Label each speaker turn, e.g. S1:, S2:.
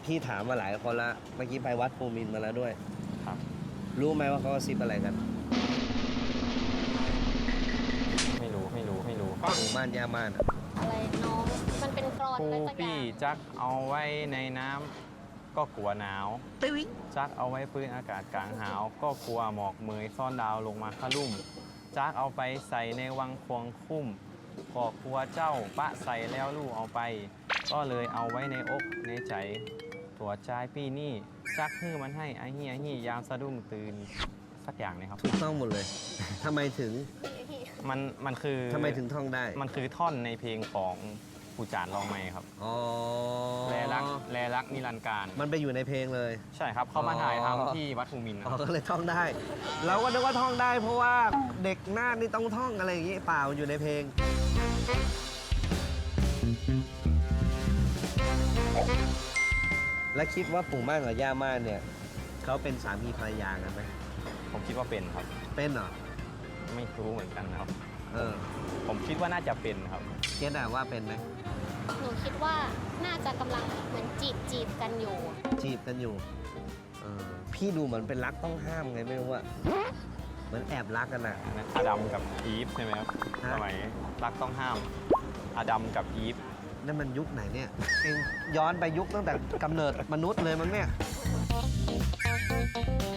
S1: พี่ถามมาหลายคนละเมื่อกี้ไปวัดภูมินทร์มาแล้วด้วย
S2: ครับ
S1: รู้ไหมว่าเขากระซิบอะไรกัน
S2: ไม่รู้
S1: หมู่บ้านย่าม่านอะ
S3: อะไรน้องมันเป็นกรอน
S2: ครู
S3: อะไรสักอ
S2: พี่
S3: ย่าง
S2: จักเอาไว้ในน้ำก็กลัวหนาว
S1: ติ๊ง
S2: จักเอาไว้พื้นอากาศกลางหาว ก็กลัวหมอกเมยซ่อนดาวลงมาขลุ่มจักเอาไปใส่ในวังควงคุ้มก็กลัวเจ้าปะใส่แล้วลูกเอาไป ก็เลยเอาไว้ในอกในใจตัวใจพี่นี่จักฮื้อมันให้ไอ้เฮียฮี่ยามสะดุ้งตื่นสักอย่างเลยครับ
S1: ถูกต้องหมดเลยทำไมถึง
S2: มันคือ
S1: ทำไมถึงท่องได้
S2: มันคือท่อนในเพลงของปู่จานรองไม้ครับ
S1: อ๋อ
S2: แลรักนิรันดร์การ
S1: มันไปอยู่ในเพลงเลย
S2: ใช่ครับเขามาถ่าย
S1: อ๋อ
S2: ทำที่วัดภูมินทร์นะ
S1: อ๋
S2: ค
S1: อ
S2: รับ
S1: ก็เลยท่องได้ เราก็นึกว่าท่องได้ เพราะว่าเด็กนาคนี่ต้องท่องอะไรอย่างงี้เปล่าอยู่ในเพลง และคิดว่าปู่ม่านกับย่าม่านเนี่ยเขาเป็นสามีภรรยากันไหม
S2: ผมคิดว่าเป็นครับ
S1: เป็นเหรอ
S2: ไม่รู้เหมือนกันนะครับ
S1: เออ
S2: ผมคิดว่าน่าจะเป็นครับ
S1: เจ๊อะว่าเป็นไหม
S3: หนูคิดว่าน่าจะกำลังเหมือนจีบกันอยู่
S1: จีบกันอยู่เออพี่ดูเหมือนเป็นรักต้องห้ามไงไม่รู้อะเหมือนแอบรักกันอะ
S2: อดัมกับอีฟใช่ไหมครับ
S1: ฮะ
S2: สมัยรักต้องห้ามอดัมกับอีฟ
S1: นั่นมันยุคไหนเนี่ยเองย้อนไปยุคตั้งแต่กำเนิดมนุษย์เลยมั้งเนี่ย